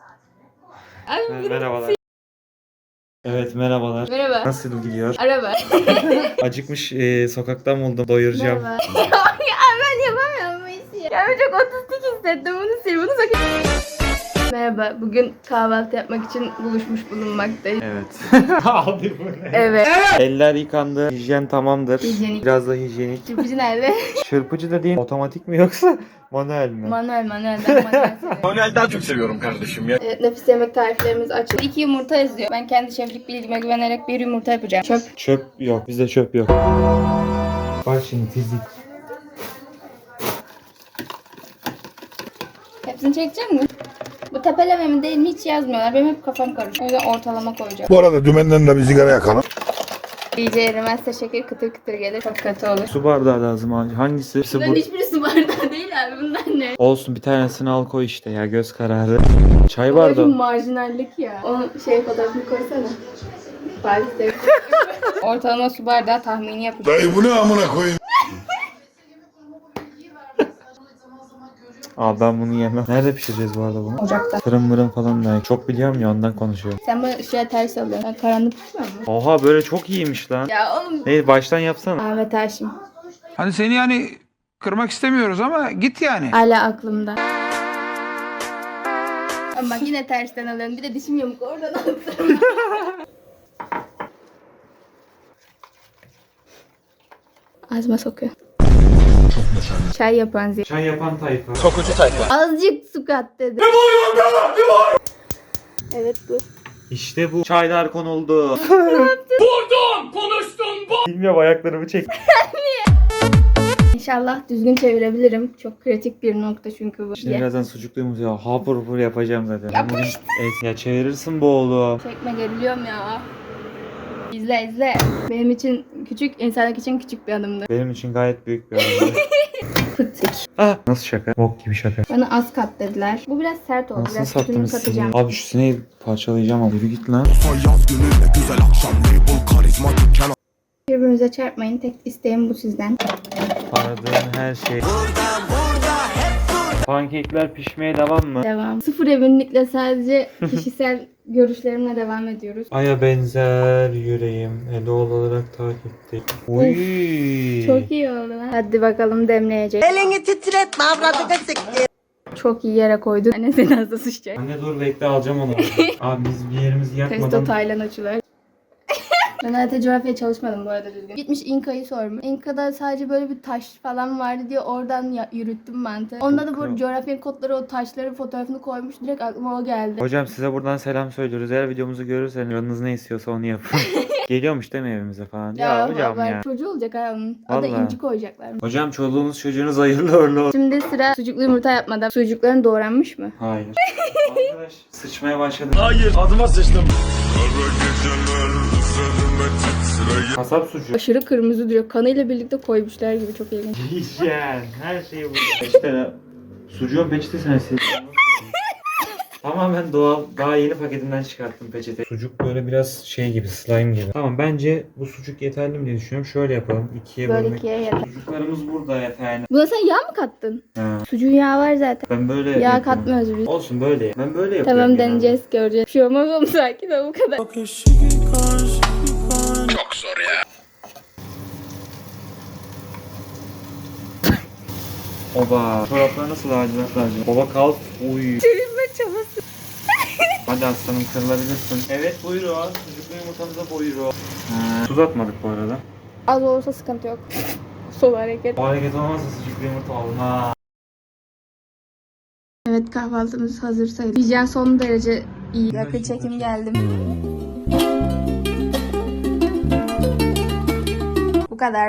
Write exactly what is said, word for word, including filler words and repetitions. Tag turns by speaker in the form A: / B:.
A: Abi,
B: merhabalar. Evet merhabalar.
A: Merhaba.
B: Nasıl gidiyor?
A: Araba.
B: Acıkmış e, sokaktan buldum. Doyuracağım.
A: Merhaba. Ya ben yapamıyorum bu işi. Ya ben çok otistik hissettim bunu sil bunu sakın. Merhaba. Bugün kahvaltı yapmak için buluşmuş bulunmaktayız.
B: Evet. Abi bu ne?
A: Evet.
B: Eller yıkandı. Hijyen tamamdır.
A: Hijyenik.
B: Biraz da hijyenik.
A: Çırpıcı nerede?
B: Çırpıcı da değil. Otomatik mi yoksa manuel mi?
A: Manuel manuel. Ben manuel seviyorum.
C: Manuel daha çok seviyorum kardeşim ya.
A: Evet, nefis yemek tariflerimiz açıldı. İki yumurta yazıyor. Ben kendi şeflik bilgime güvenerek bir yumurta yapacağım. Çöp.
B: Çöp yok. Bizde çöp yok. Bak şimdi fizik.
A: Hepsini çekecek mi? Bu tepeleme mi değil mi hiç yazmıyorlar. Benim hep kafam karışıyor. O yüzden ortalama koyacağım.
C: Bu arada dümenden de bir sigara yakalım.
A: İyice erimezse şeker kıtır kıtır gelir. Çok kötü olur.
B: Su bardağı lazım abi. Hangisi? Hepsi
A: Bunların
B: bu.
A: hiçbiri su bardağı değil abi. Bunlar ne?
B: Olsun bir tanesini al koy işte ya. Göz kararı. Çay
A: Bu
B: bardağı.
A: marjinallik ya. Onun şey fotoğrafını koysana. Fatih Sevinç. Ortalama su bardağı tahmini yapacağım.
C: Dayı bu ne amına koyayım?
B: Abi ben bunu yemem. Nerede pişireceğiz bu arada bunu?
A: Ocakta.
B: Fırın mırın falan da. Çok biliyorum ya ondan konuşuyorum.
A: Sen bu şeye ters alıyorsun. Ben karanlık tutmuyor mu?
B: Oha böyle çok iyiymiş lan.
A: Ya oğlum.
B: Neyse baştan yapsana.
A: Ahmet Haşim.
D: Hani seni yani kırmak istemiyoruz ama git yani.
A: Hala aklımda. Ama bak yine tersten alıyorum. Bir de dişim yamuk oradan alıyorum. Ağzıma sokuyor. Çay yapan zil.
B: Çay yapan tayfa.
C: Sokucu tayfa.
A: Azıcık su kat dedi. Evet bu.
B: İşte bu. Çaylar konuldu. Vurdum, konuştum bu. Bilmiyorum ayaklarımı çek.
A: İnşallah düzgün çevirebilirim. Çok kritik bir nokta çünkü bu.
B: Şimdi
A: Ye.
B: birazdan sucukluyumuz ya. Hapur hapur yapacağım zaten.
A: Yapma
B: Bugün- Evet, ya çevirirsin bu oğlu.
A: Çekme geriliyorum ya. İzle izle. Benim için küçük, insanlık için küçük bir adımdı.
B: Benim için gayet büyük bir adım.
A: Fıtık.
B: Ah, nasıl şaka? Bok gibi şaka.
A: Bana az kat dediler. Bu biraz sert oldu.
B: Nasıl
A: Biraz sütünü
B: sattınız
A: katacağım.
B: sineği? Abi şu sineği parçalayacağım ama yürü git lan.
A: Birbirimize çarpmayın. Tek isteğim bu sizden.
B: Aradığın her şey. Pankekler pişmeye devam mı?
A: Devam. Sıfır eminlikle sadece kişisel görüşlerimle devam ediyoruz.
B: Aya benzer yüreğim. Edol olarak takipte. Uy.
A: Çok iyi oldu lan. Hadi bakalım demleyecek.
E: Elini titretme avradını siktir.
A: Çok iyi yere koydun. Anne seni hızlı sıçacak.
B: Anne dur bekle alacağım onu. Abi biz bir yerimizi
A: Testo
B: yakmadan.
A: Taylan açılar. Ben harita coğrafya çalışmadım bu arada düzgün. Gitmiş İnka'yı sormuş. İnka'da sadece böyle bir taş falan vardı diye oradan ya- yürüttüm mantığı. Onda da bu coğrafya kodları o taşların fotoğrafını koymuş. Direkt aklıma o geldi.
B: Hocam size buradan selam söylüyoruz. Eğer videomuzu görürseniz canınız ne istiyorsa onu yapın. Geliyormuş değil mi evimize falan? Ya, hocam
A: bak,
B: ya.
A: çocuğu olacak ha onun. Adı
B: Vallahi.
A: İnci koyacaklar.
B: Hocam çoluğunuz çocuğunuz hayırlı uğurlu olsun.
A: Şimdi sıra sucuklu yumurta yapmadan. Sucukların doğranmış mı?
B: Hayır. Arkadaş sıçmaya başladım.
C: Hayır adıma sıçtım.
B: Kasap sucuğu.
A: Aşırı kırmızı duruyor. Kanıyla birlikte koymuşlar gibi, çok ilginç.
B: Hijyen. Her şeyi bu. İşte sucuğun peçetesine sil. Tamamen doğal. Daha yeni paketinden çıkarttım peçete. Sucuk böyle biraz şey gibi, slime gibi. Tamam bence bu sucuk yeterli mi diye düşünüyorum. Şöyle yapalım. İkiye
A: Böyle
B: bölmek.
A: ikiye yeter.
B: Sucuklarımız burada yeterli.
A: Buna sen yağ mı kattın?
B: Ha.
A: Sucuğun yağı var zaten.
B: Ben böyle
A: Yağ
B: yapıyorum.
A: katmıyoruz biz.
B: Olsun böyle. Ben böyle yapıyorum.
A: Tamam,
B: genelde.
A: deneyeceğiz, göreceğiz. Bir şey olmaz oğlum, sakin ol, bu kadar.
C: Çok zor ya.
B: Oba. Çoraplar nasıl lacivert lacivert? Baba kalk. Uy.
A: Çevirme çabası.
B: Hadi aslanım kırılabilirsin. Evet buyurun. Sucuklu yumurtamıza buyurun. Ha. Tuz atmadık bu arada.
A: Az olursa sıkıntı yok. Sol hareket.
B: O hareket olmazsa sucuklu yumurta olmaz.
A: Evet, kahvaltımız hazır sayılır. Hijyen son derece iyi. Yakın çekim geldim. Bu kadar.